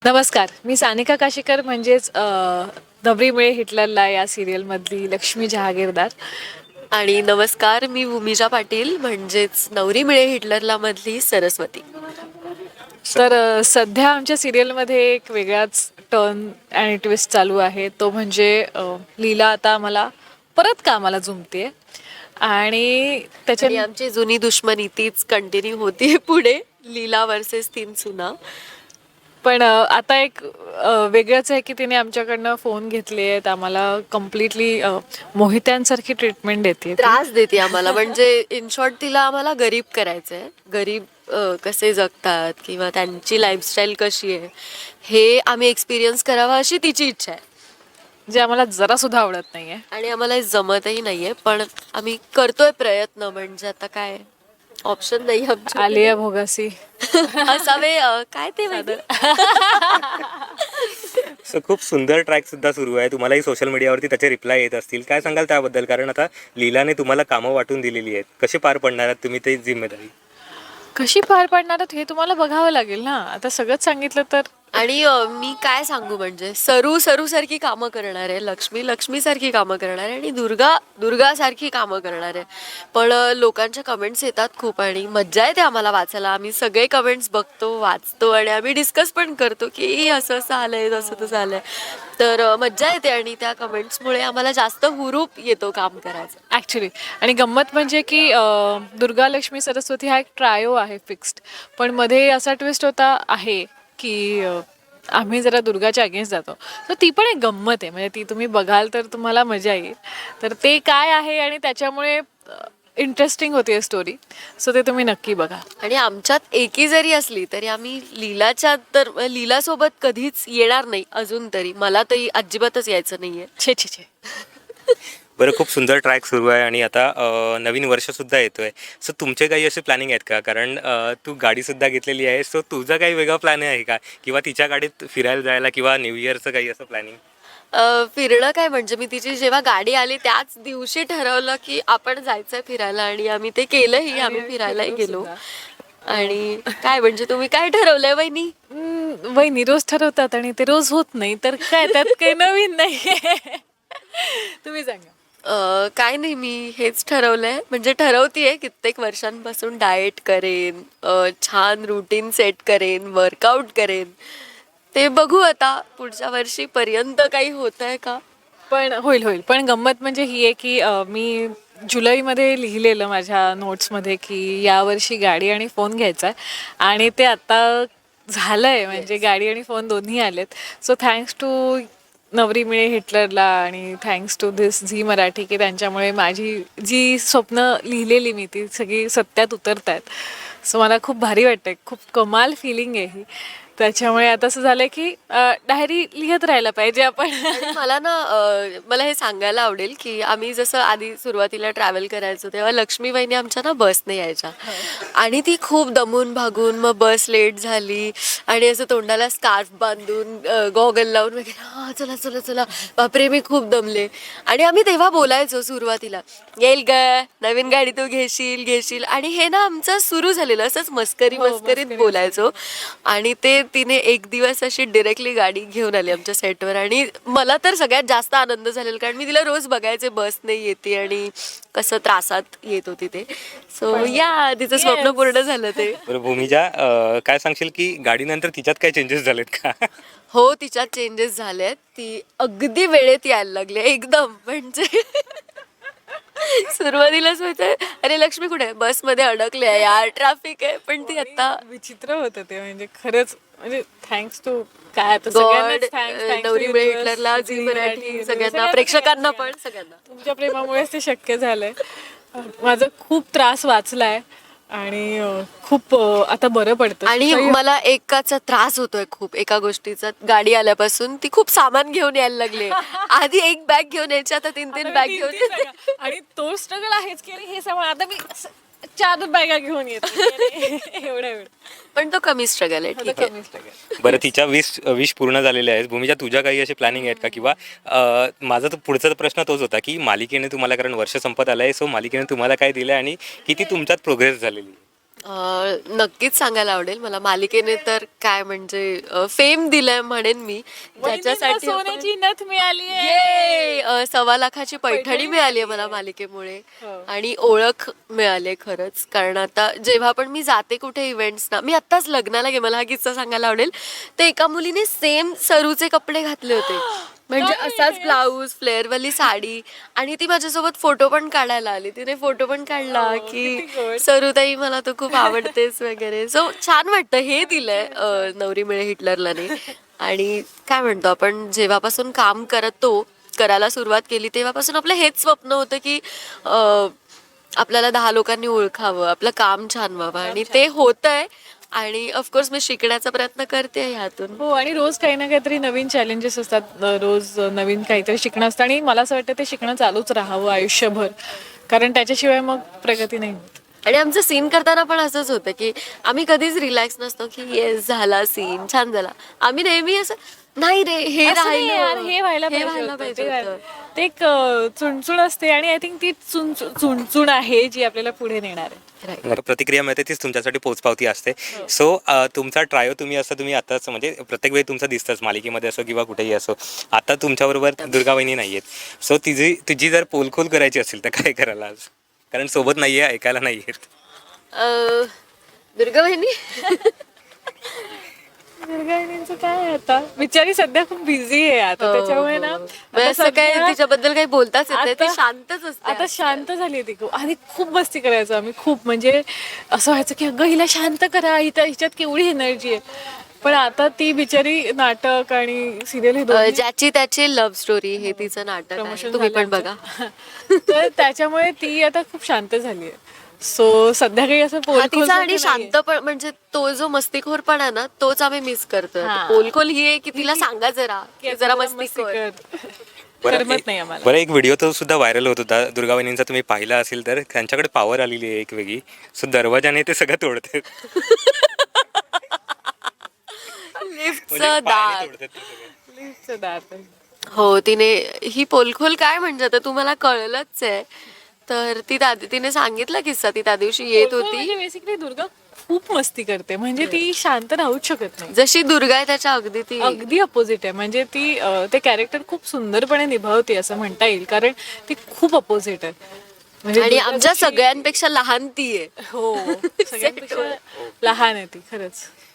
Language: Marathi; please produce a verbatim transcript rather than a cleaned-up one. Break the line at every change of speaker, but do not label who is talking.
नमस्कार, मी सानिका काशीकर म्हणजेच अ, नवरी मिळे हिटलरला या सिरियलमधली लक्ष्मी जहागीरदार.
आणि नमस्कार, मी भूमिजा पाटील म्हणजेच नवरी मिळे हिटलरला मधली सरस्वती.
तर अ, सध्या आमच्या सिरियलमध्ये एक वेगळाच टर्न आणि ट्विस्ट चालू आहे. तो म्हणजे अ, लीला आता आम्हाला परत कामाला जुंपते आणि त्याच्या
आणि आमची जुनी दुश्मनी तीच कंटिन्यू होती पुढे, लीला वर्सेस तीन सुना.
पण अ, आता एक अ, वेगळंच आहे की तिने आमच्याकडनं फोन घेतले आहेत. आम्हाला कम्प्लिटली मोहित्यांसारखी ट्रीटमेंट देते.
त्रास देते आम्हाला, म्हणजे इन शॉर्ट तिला आम्हाला गरीब करायचंय. गरीब अ, कसे जगतात किंवा त्यांची लाईफस्टाईल कशी आहे हे आम्ही एक्सपिरियन्स करावा अशी तिची इच्छा आहे.
जे आम्हाला जरा सुद्धा आवडत नाहीये.
आणि आम्हाला हे जमतही नाहीये, पण आम्ही करतोय प्रयत्न. म्हणजे आता काय ऑप्शन नाही आमच्या
आलिया भोगासी
असावे. अ, काय ते माहिती?
सो खूप सुंदर ट्रॅक सुद्धा सुरू आहे. तुम्हालाही सोशल मीडियावरती त्याचे रिप्लाय येत असतील. काय सांगाल त्याबद्दल? कारण आता लीलाने तुम्हाला कामं वाटून दिलेली आहेत. कसे पार पडणार आहात तुम्ही ते जिम्मेदारी?
कशी पार पाडणार आहात हे तुम्हाला बघावं लागेल ना. आता सगळंच सांगितलं तर
आणि अ, मी काय सांगू, म्हणजे सरू सरू सारखी कामं करणार आहे, लक्ष्मी लक्ष्मी सारखी कामं करणार आहे आणि दुर्गा दुर्गा सारखी कामं करणार आहे. पण अ, लोकांच्या कमेंट्स येतात खूप आणि मज्जा येते आम्हाला वाचायला. आम्ही सगळे कमेंट्स बघतो, वाचतो आणि आम्ही डिस्कस पण करतो की असं असं आलंय, तसं तसं आलंय. तर अ, मज्जा येते आणि त्या कमेंट्समुळे आम्हाला जास्त हुरूप येतो काम करायचं.
ॲक्च्युली. आणि गंमत म्हणजे की अ, दुर्गा लक्ष्मी सरस्वती हा एक ट्रायो आहे फिक्स्ड. पण मध्ये असा ट्विस्ट होता आहे की अ, आम्ही जरा दुर्गाच्या अगेन्स्ट जातो. तर ती पण एक गंमत आहे. म्हणजे ती तुम्ही बघाल तर तुम्हाला मजा येईल. तर ते काय आहे आणि त्याच्यामुळे इंटरेस्टिंग होती स्टोरी. सो ते तुम्ही नक्की बघा.
आणि आमच्यात एकी जरी असली तरी आम्ही लीलाच्या तर लीलासोबत कधीच येणार नाही अजून तरी. मला तरी अजिबातच यायचं नाहीये.
छे छे छे.
बरं, खूप सुंदर ट्रॅक सुरू आहे आणि आता अ, नवीन वर्षसुद्धा येतो आहे. सो तुमचे काही असे प्लॅनिंग आहेत का? कारण अ, तू गाडीसुद्धा घेतलेली आहे. सो तुझा काही वेगळा प्लॅन आहे का? किंवा तिच्या गाडीत फिरायला जायला किंवा न्यू इयरचं काही असं प्लॅनिंग?
अ, फिरणं काय, म्हणजे मी तिची जेव्हा गाडी आली त्याच दिवशी ठरवलं की आपण जायचंय फिरायला आणि आम्ही ते केलंही. आम्ही फिरायलाही गेलो. आणि काय म्हणजे तुम्ही काय ठरवलंय वहिनी?
हम्म, वहिनी रोज ठरवतात आणि ते रोज होत नाही. तर काय त्यात काही नवीन नाही. तुम्ही सांगा.
अ, काय नाही, मी हेच ठरवलंय, म्हणजे ठरवतीये कित्येक वर्षांपासून डाएट करेन, अ, छान रुटीन सेट करेन, वर्कआउट करेन. ते बघू आता पुढच्या वर्षीपर्यंत काही होत आहे का.
पण होईल होईल. पण गंमत म्हणजे ही आहे की अ, मी जुलैमध्ये लिहिलेलं माझ्या नोट्समध्ये की यावर्षी गाडी आणि फोन घ्यायचा आहे आणि ते आता झालंय. म्हणजे गाडी आणि फोन दोन्ही आलेत. सो थँक्स टू नवरी मिळे हिटलरला आणि thanks to this Zee Marathi की त्यांच्यामुळे माझी जी स्वप्न लिहिलेली मी ती सगळी सत्यात उतरत आहेत. सो मला खूप भारी वाटतंय. खूप कमाल फिलिंग आहे ही. त्याच्यामुळे आता असं झालंय की डायरी लिहत राहायला पाहिजे आपण.
आणि मला ना अ, मला हे सांगायला आवडेल की आम्ही जसं आधी सुरुवातीला ट्रॅव्हल करायचो तेव्हा लक्ष्मी वहिनी आमच्या ना बसने यायच्या आणि ती खूप दमून भागून मग बस लेट झाली आणि असं तोंडाला स्कार्फ बांधून गॉगल लावून वगैरे, हा चला चला चला बापरे मी खूप दमले. आणि आम्ही तेव्हा बोलायचो सुरुवातीला, येईल ग नवीन गाडी तू घेशील घेशील. आणि हे ना आमचं सुरू झालेलं असंच मस्करी
हो,
मस्करीत
मस्करी
बोलायचो. आणि ते तिने एक दिवस अशी डिरेक्टली गाडी घेऊन आली आमच्या सेटवर आणि मला तर सगळ्यात जास्त आनंद झालेला, कारण मी तिला रोज बघायचे बसने येते आणि कसं त्रासात येत होती ते. सो या तिचं स्वप्न पूर्ण झालं ते.
बरं भूमिजा, अ, काय सांगशील की गाडीनंतर तिच्यात काय चेंजेस झालेत का?
हो, तिच्यात चेंजेस झालेत. ती अगदी वेळेत यायला लागली एकदम. म्हणजे सुरुवातीलाच होतं अरे लक्ष्मी कुठे आहे, बसमध्ये अडकले आहे यार, ट्रॅफिक आहे. पण ती आता
विचित्र होतं ते. म्हणजे खरंच म्हणजे थँक्स टू काय आता
गॉड,
सगळ्यांनाच thanks, thanks to
नवरी मिळे
universe,
हिटलरला,
झी
झी मराठी, सगळ्यांना,
सगळ्यांना,
प्रेक्षकांना
सगळ्यांना.
पण सगळ्यांना.
तुमच्या प्रेमामुळेच ते शक्य झालंय. माझा खूप त्रास वाचलाय आणि अं, खूप अं, आता बरं पडतं.
आणि
काही-
मला एकाचा त्रास होतोय खूप, एका गोष्टीचा. गाडी आल्यापासून ती खूप सामान घेऊन यायला लागले. आधी एक बॅग घेऊन यायची, आता तीन
आता
तीन
मी
बॅग
तीन-
घेऊन
तीन
येते.
बॅगा. आणि तो स्ट्रगल आहेच की अरे हे सामान आता मी स- चार बॅगा घेऊन येते. एवढा वेळ
पण तो कमी स्ट्रगल आहे,
आता
ठीक आहे.
कमी struggle.
बरं, तिच्या वीस विश पूर्ण झालेले आहेत. भूमिजा, तुझ्या काही असे प्लॅनिंग आहेत का? किंवा अ, माझा तर पुढचा प्रश्न तोच होता की मालिकेने तुम्हाला, कारण वर्ष संपत आलं आहे, सो मालिकेने तुम्हाला काय दिलं आणि किती तुमच्यात प्रोग्रेस झालेली?
अं, नक्कीच सांगायला आवडेल मला. मालिकेने तर काय म्हणजे फेम दिलंय म्हणेन मी, ज्याच्यासाठी आपण-
सोन्याची नथ मिळाली
ये! अ, सव्वा लाखाची पैठणी मिळाली आहे मला मालिकेमुळे आणि ओळख मिळाली खरंच. कारण आता जेव्हा पण मी जाते कुठे इव्हेंट्सना, मी आत्ताच लग्नाला गे मला हा किस्सा सांगायला आवडेल. ते एका मुलीने सेम सरूचे कपडे घातले होते, म्हणजे असाच ब्लाऊज, फ्लेअरवाली साडी, आणि ती माझ्यासोबत फोटो पण काढायला आली. तिने फोटो पण काढला की सरुताई मला तू खूप आवडतेस वगैरे. सो छान वाटतं. हे दिलंय अ, नवरी मिळे हिटलरलाने. आणि काय म्हणतो आपण, जेव्हापासून काम करतो करायला सुरुवात केली तेव्हापासून आपलं हेच स्वप्न होतं की अ, आपल्याला दहा लोकांनी ओळखावं, आपलं काम छान व्हावं, आणि ते होतंय. आणि ऑफकोर्स मी शिकण्याचा प्रयत्न करते ह्यातून.
हो, आणि रोज काही ना काहीतरी नवीन चॅलेंजेस असतात, अ, रोज अ, नवीन काहीतरी शिकणं असतं, आणि मला असं वाटतं ते शिकणं चालूच राहावं आयुष्यभर, कारण त्याच्याशिवाय मग प्रगती नाही होत.
आणि आमचं सीन करताना पण असंच होतं की आम्ही कधीच रिलॅक्स नसतो की येस झाला सीन छान झाला. आम्ही नेहमी असं नाही रे हे
असं नाही
राहिलं,
यार, हे व्हायला
हे
पाहिजे
व्हायला
होतं,
पाहिजे
ते
होतं.
व्हायला- ते एक अ, चुणचुण असते, आणि आय थिंक ती चुणचुण चुणचुण आहे जी आपल्याला पुढे नेणार आहे.
Right.
प्रतिक्रिया मिळते तीच तुमच्यासाठी पोचपावती असते. सो तुमचा ट्रायो तुम्ही असं तुम्ही आताच म्हणजे प्रत्येक वेळी तुमचं दिसतंच मालिकेमध्ये असो किंवा कुठेही असो. आता तुमच्याबरोबर दुर्गा वहिनी नाही आहेत. सो तिची तुझी जर पोलखोल करायची असेल तर काय करायला आज, कारण सोबत नाही आहे, ऐकायला नाही आहेत.
अं, दुर्गा बहिणी
दुर्गाणींचं काय आहे आता, बिचारी सध्या खूप बिझी आहे आता, त्याच्यामुळे ना
म्हणजे
आता
असं काय
सध्या-
तिच्याबद्दल काही बोलताच येत नाही. ती
आता-
शांतच असते.
आता शांत झाली आहे ती खूप. आधी खूप मस्ती करायचो आम्ही खूप, म्हणजे असं व्हायचं की अगं हिला शांत करा, हिच्या हिच्यात केवढी एनर्जी आहे. पण आता ती बिचारी नाटक आणि सिरियल हे
अं,
दोन्ही
ज्याची त्याची लव्ह स्टोरी हे तिचं नाटक आहे.
प्रमोशन
तुम्ही
झालं
पण बघा.
तर त्याच्यामुळे ती आता खूप शांत झाली आहे. सो सध्या काही असं
हा,
पोलखोल
तिचा आणि शांत पण म्हणजे तो जो मस्तीखोर आहे ना तोच आम्ही मिस करतोय.
हा.
पोलखोल ही आहे की तिला सांगा जरा की जरा मस्ती कर.
बरं
करमत
एक-
नाही आम्हाला.
बरं एक व्हिडिओ तो सुद्धा व्हायरल होत होता दुर्गा वहिनींचा, तुम्ही पाहिला असेल तर. त्यांच्याकडे पॉवर आलेली आहे एक वेगळी. सो दरवाजाने ते सगळं तोडतात. म्हणजे
लिफ्टचं
पायाने
दार.
तोडतात ते सगळं.
लिफ्टचं दार तर.
हो, तिने ही पोलखोल काय म्हणजे आता तुम्हाला कळलंच आहे. तर ती त्या तिने सांगितला किस्सा. ती त्या दिवशी येत
पोलखोल
होती.
म्हणजे बेसिकली दुर्गा खूप मस्ती करते, म्हणजे ती शांत राहूच शकत नाही.
जशी दुर्गा आहे त्याच्या अगदी ती
अगदी अपोजिट आहे, म्हणजे ती अ, ते कॅरेक्टर खूप सुंदरपणे निभावते असं म्हणता येईल, कारण ती खूप अपोजिट आहे. म्हणजे
आणि
दुर्गा
आमच्या
जशी-
सगळ्यांपेक्षा लहान ती आहे.
हो, सगळ्यांपेक्षा लहान आहे ती खरंच.